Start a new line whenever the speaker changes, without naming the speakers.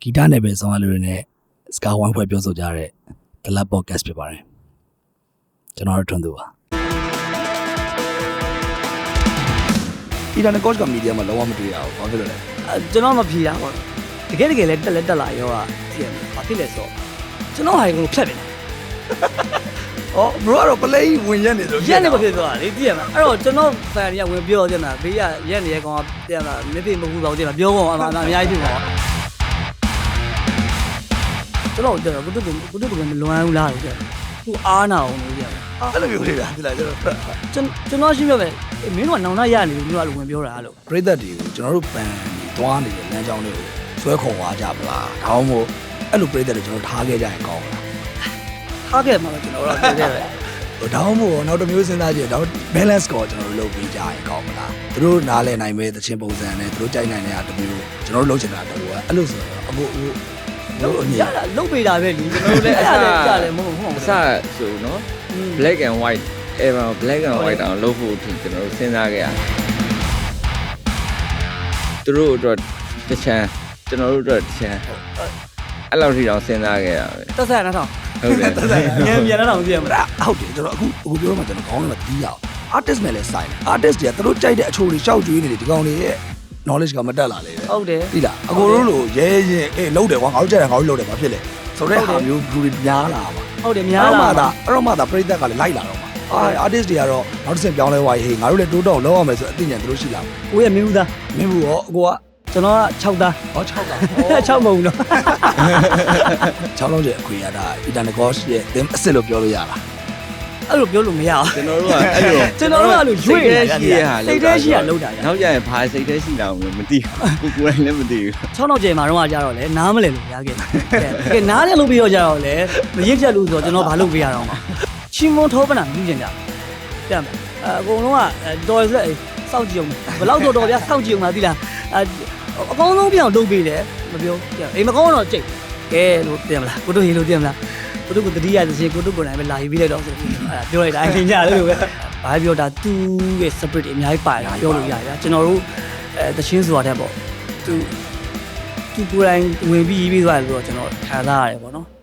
ဂီတနဲ့ပဲဆောင်းရလူတွေနဲ့စကားဝိုင်းဖွဲ့ပြောဆိုကြတဲ့ The Lab Podcast ဖြစ်ပါတယ်ကျွန်တော်တို့ထွန်းသူပါဒီတန်းကော့ချ်ကမီဒီယာမှာလုံးဝမတွေ့ရဘူးဘာဖြစ်လို့လဲ
ကျွန်တော်မဖြေတာပေါ့တကယ်လဲတက်လာရောသိရမှာဘာဖြစ်လဲဆိုကျွန်တော်ဟာကိုဖြတ်နေတယ်
အော် bro ကတော့ play ဝင်ရက်နေဆို
ရက်နေမဖြစ်သွားလေသိရမှာအဲ့တော့ကျွန်တော် fan တွေကဝင်ပြောကြမှာဘေးကရက်နေကောင်ကသိရမှာမဖြစ်မဟုတ်တော့သိရမှာပြောကုန်အမှအများကြီးဖြစ်သွားကျွန်တော်ကုတုကမလွမ်းဘူးလားလို့ပြောသူအားနာအောင်လို့ပြော
အဲ့လိုမျိုးလေးလားဒီလား
ကျွန်တော်ရှင်းပြမယ်မင်းတို့ကနောင်နာရနေလို့မျိုးကဝင်ပြောတာလို့
ပရိသတ်တွေကိုကျွန်တော်တို့ပန်သွားနေတဲ့လမ်းကြောင်းလေးကိုဆွဲခေါ်သွားကြမလားဒါမှမဟုတ်အဲ့လိုပရိသတ်တွေကျွန်တော်ထားခဲ့ကြရင်ကောင်းမလား
ထားခဲ့မှာတော့ကျွန်တော်တို့ပြောတယ်
ဒါမှမဟုတ်နောက်တစ်မျိုးစဉ်းစားကြည့်တော့ balance ကိုကျွန်တော်တို့လုပ်ပေးကြရင်ကောင်းမလားသူတို့နားလည်နိုင်မဲ့သချင်းပုံစံနဲ့သူတို့ကြိုက်နိုင်တဲ့အမျိုးကျွန်တော်တို့လုပ်ချင်တာတူကအဲ့လိုဆိုတော့
လို့ရတာလုတ်ပေးတာပဲလीကျွန်တော်တို့လည်းအဲ့ဒါလည်းကြားတယ်မဟုတ်
အစဆိုနော် black and white ever black and white အောင်လုပ်ဖို့ကျွန်တော်တို့စဉ်းစားခဲ့ရတယ်သူတို့အတွက်တစ်ချမ်းကျွန်တော်တို့အတွက်တစ်ချမ်းအဲ့လောက်ထိအောင်စဉ်းစားခဲ့ရပဲ
တက်ဆက်နော်
ဟုတ်တယ်
တက်ဆက်မြန်တော့သိရမှာ
ဟုတ်တယ်ကျွန်တော်အခုပြောမှကျွန်တော်ခေါင်းထဲမှာတီးရအောင် artist နဲ့လည်းဆိုင်တယ် artist တွေကသူတို့ကြိုက်တဲ့အချိုးတွေရှောက်ကျွေးနေတယ်ဒီကောင်တွေရဲ့ knowledge ကမတက်လာလေ
ဟုတ်တယ်
ပြီလားအကိုတို့လိုရဲရဲလှုပ်တယ်ကွာငါတို့ကြိုက်တယ်ငါတို့လှုပ်တယ်ဘာဖြစ်လဲဆိုတော့ဟာမျိုးလူတွေများလာပါ
ဟုတ်တယ်များလာပါ
အဲ့တော့မှသာပရိသတ်ကလည်းလိုက်လာတော့မှာartist တွေကတော့နောက်တစ်ဆင့်ပြောင်းလဲသွားရေးဟေးငါတို့လည်းတိုးတော့လောက်အောင်မယ်ဆိုအသိဉာဏ်သူတို့ရှိလာပါ
ကိုရဲ့မင်းဘူးသား
မင်းဘူးရောအကိုက
ကျွန်တော်က6သား
ဟော6သား
6မဟုတ်ဘူးနော်
6လုံးကျအခွေရတာ Internagos ရဲ့အစ်စ်လို့ပြောလို့ရလား
အဲ့လိုပြောလို့မရအောင်
ကျွန်တော်တို့ကအဲ့လို
ကျွန်တော်တို့ကလို့ရွေ့နေတာစိတ်ထဲရှိရလောက်တာ
နောက်ကျရင်ဘာစိတ်ထဲရှိတာမသိဘူးကိုယ်လည်းမသိဘူး
6နောက်ကျမှာတော့ကြတော့လေနားမလဲလို့ရခဲ့ကဲနားလည်းလုပ်ပြီးတော့ကြတော့လေမရစ်ချက်လို့ဆိုတော့ကျွန်တော်ဘာလုပ်ပေးရတော့မှာချင်းမွန်ထောပနာမြည်ကျင်ကြတဲ့မှာအကုန်လုံးကတော်ရက်စောင့်ကြည့်အောင်ဘယ်လောက်တော်ဗျာစောင့်ကြည့်အောင်လားသိလားအကောင်းဆုံးပြောင်းလုပ်ပေးတယ်မပြောအိမ်မကောင်းတော့ကြိတ်ကဲလို့တင်မလားကိုတို့ရေလို့တင်မလားကိုတို့ကတတိယသချင်းကိုတို့ကိုယ်တိုင်ပဲလာရေးပြီးလိုက်တော့ဆိုပြီးပြောလိုက်တာအရင်ညလို့ပဲဘာပြောတာသူ့ရဲ့ spirit အများကြီးပါတယ်ပြောလို့ရတယ်ဗျာကျွန်တော်တို့သချင်းဆိုတာတဲ့ပေါ့သူကိုယ်တိုင်ဝင်ပြီးရေးပြီးသွားတယ်လို့တော့ကျွန်တော်ခံစားရတယ်ပေါ့နော်